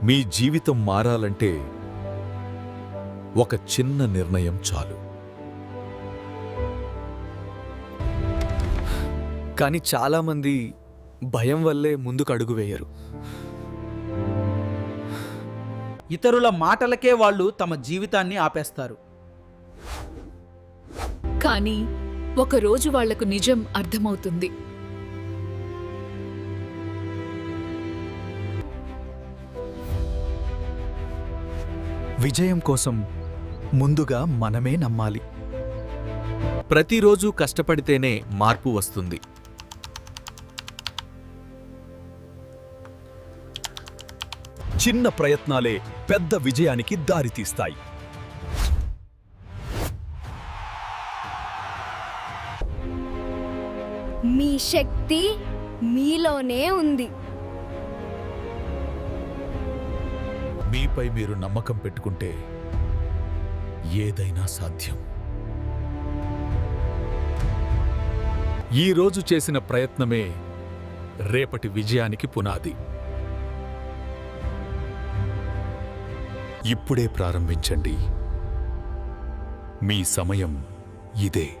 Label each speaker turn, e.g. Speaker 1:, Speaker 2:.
Speaker 1: మీ జీవితం మారాలంటే ఒక చిన్న నిర్ణయం చాలు.
Speaker 2: కానీ చాలామంది భయం వల్లే ముందుకు అడుగు వేయరు.
Speaker 3: ఇతరుల మాటలకే వాళ్ళు తమ జీవితాన్ని ఆపేస్తారు.
Speaker 4: కానీ ఒకరోజు వాళ్లకు నిజం అర్థమవుతుంది.
Speaker 5: విజయం కోసం ముందుగా మనమే నమ్మాలి.
Speaker 1: ప్రతిరోజు కష్టపడితేనే మార్పు వస్తుంది.
Speaker 5: చిన్న ప్రయత్నాలే పెద్ద విజయానికి దారితీస్తాయి.
Speaker 6: మీ శక్తి మీలోనే ఉంది.
Speaker 1: మీపై మీరు నమ్మకం పెట్టుకుంటే ఏదైనా సాధ్యం. ఈ రోజు చేసిన ప్రయత్నమే రేపటి విజయానికి పునాది. ఇప్పుడే ప్రారంభించండి. మీ సమయం ఇదే.